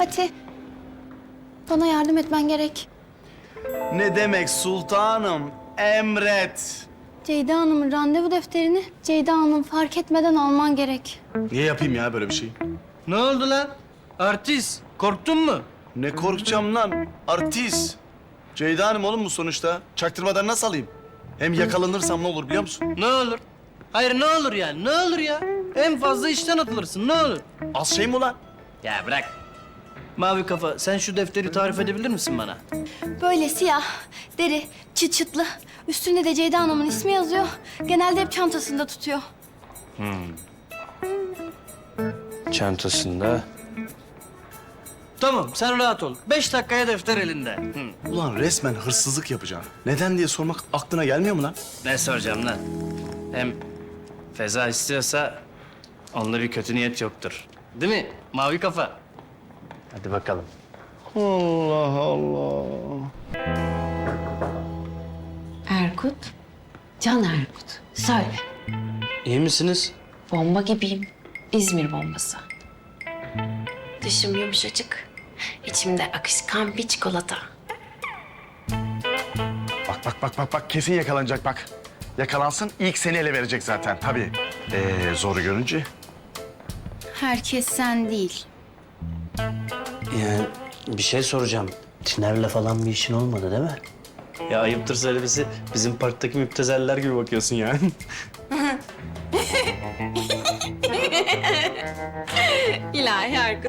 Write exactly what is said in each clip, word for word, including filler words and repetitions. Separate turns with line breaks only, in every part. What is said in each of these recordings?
Fatih, bana yardım etmen gerek.
Ne demek sultanım? Emret.
Ceyda Hanım'ın randevu defterini Ceyda Hanım fark etmeden alman gerek.
Niye yapayım ya böyle bir şey?
Ne oldu lan? Artist, korktun mu?
Ne korkacağım lan? Artist. Ceyda Hanım oğlum bu sonuçta. Çaktırmadan nasıl alayım? Hem yakalanırsam ne olur biliyor musun?
Ne olur? Hayır ne olur yani, ne olur ya? En fazla işten atılırsın, ne olur?
Az şey mi ulan?
Ya bırak. Mavi kafa, sen şu defteri tarif edebilir misin bana?
Böyle siyah, deri, çıt çıtlı. Üstünde de Ceyda Hanım'ın ismi yazıyor. Genelde hep çantasında tutuyor.
Çantasında. Tamam, sen rahat ol. Beş dakikaya defter elinde. Hı.
Ulan resmen hırsızlık yapacağım. Neden diye sormak aklına gelmiyor mu lan?
Ne soracağım lan? Hem Feza istiyorsa onda bir kötü niyet yoktur. Değil mi? Mavi kafa. Hadi bakalım.
Allah Allah.
Erkut, Can Erkut. Söyle.
İyi misiniz?
Bomba gibiyim. İzmir bombası. Dışım yumuşacık. İçimde akışkan bir çikolata.
Bak bak bak bak bak kesin yakalanacak bak. Yakalansın ilk seni ele verecek zaten tabii. Ee, zoru görünce.
Herkes sen değil.
Yani bir şey soracağım. Tiner'le falan bir işin olmadı değil mi?
Ya ayıptır söylemesi, bizim parktaki müptezeller gibi bakıyorsun yani.
İlahi Erkut.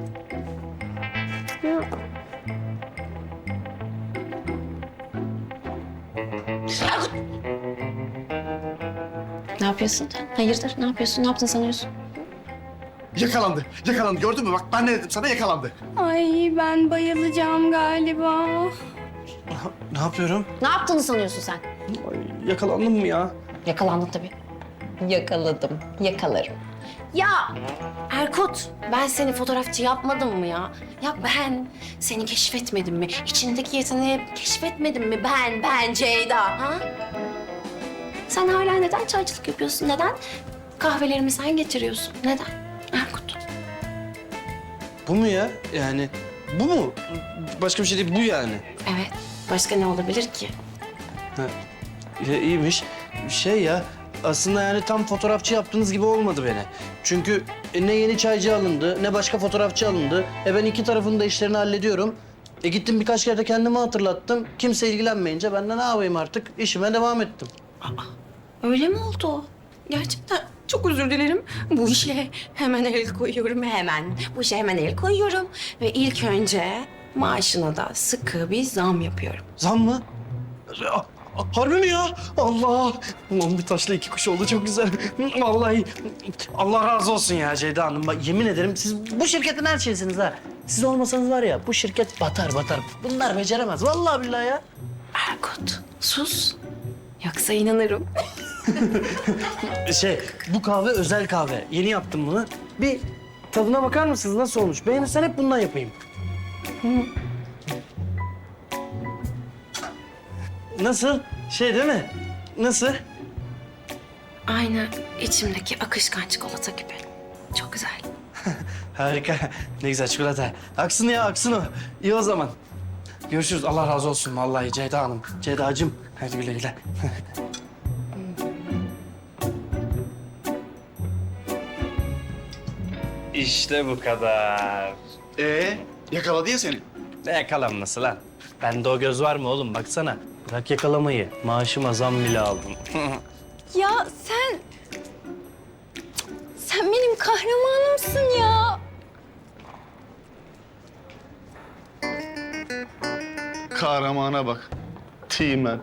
Ne yapıyorsun? Hayırdır? Ne yapıyorsun? Ne yaptın sanıyorsun?
Yakalandı, yakalandı. Gördün mü? Bak ben ne dedim sana yakalandı.
Ay ben bayılacağım galiba.
Ne yapıyorum?
Ne yaptığını sanıyorsun sen?
Ay, yakalandım mı ya?
Yakalandın tabii. Yakaladım. Yakalarım. Ya Erkut, ben seni fotoğrafçı yapmadım mı ya? Ya ben seni keşfetmedim mi? İçindeki yeteneği keşfetmedim mi? Ben, ben Ceyda. Ha? Sen hala neden çaycılık yapıyorsun? Neden kahvelerimi sen getiriyorsun? Neden? Erkut.
Bu mu ya? Yani bu mu? Başka bir şey değil, bu yani.
Evet. Başka ne olabilir ki?
Ha, ya, iyiymiş. Şey ya, aslında yani tam fotoğrafçı yaptığınız gibi olmadı beni. Çünkü e, ne yeni çaycı alındı, ne başka fotoğrafçı alındı. E ben iki tarafın da işlerini hallediyorum. E gittim birkaç kere de kendimi hatırlattım. Kimse ilgilenmeyince ben de ne yapayım artık? İşime devam ettim.
Öyle mi oldu? Gerçekten çok özür dilerim. Bu işe hemen el koyuyorum, hemen. Bu işe hemen el koyuyorum. Ve ilk önce maaşına da sıkı bir zam yapıyorum.
Zam mı? A- a- Harbi mi ya? Allah! Ulan bir taşla iki kuş oldu, çok güzel. Vallahi Allah razı olsun ya Ceyda Hanım. Bak yemin ederim siz bu şirketin her şeysiniz ha. Siz olmasanız var ya bu şirket batar batar. Bunlar beceremez. Vallahi billahi ya.
Erkut, sus. Yoksa inanırım.
Şey, bu kahve özel kahve. Yeni yaptım bunu. Bir tadına bakar mısınız? Nasıl olmuş? Beğenirsen hep bundan yapayım. Nasıl? Şey değil mi? Nasıl?
Aynı içimdeki akışkan çikolata gibi. Çok güzel.
Harika. Ne güzel çikolata. Aksın ya, aksın o. İyi o zaman. Görüşürüz. Allah razı olsun vallahi Ceyda Hanım. Ceyda'cığım. Hadi güle güle. İşte bu kadar.
Ee, yakaladı ya seni.
Ne yakalanması lan? Bende o göz var mı oğlum? Baksana. Bırak yakalamayı. Maaşıma zam bile aldım.
Ya sen... Sen benim kahramanımsın ya.
Kahramana bak. Teğmen.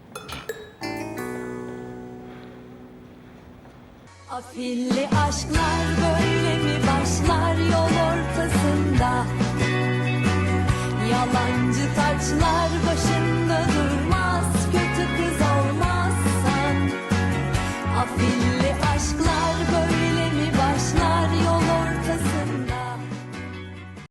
Afilli aşklar böyle mi başlar yol ortasında? Yalancı taçlar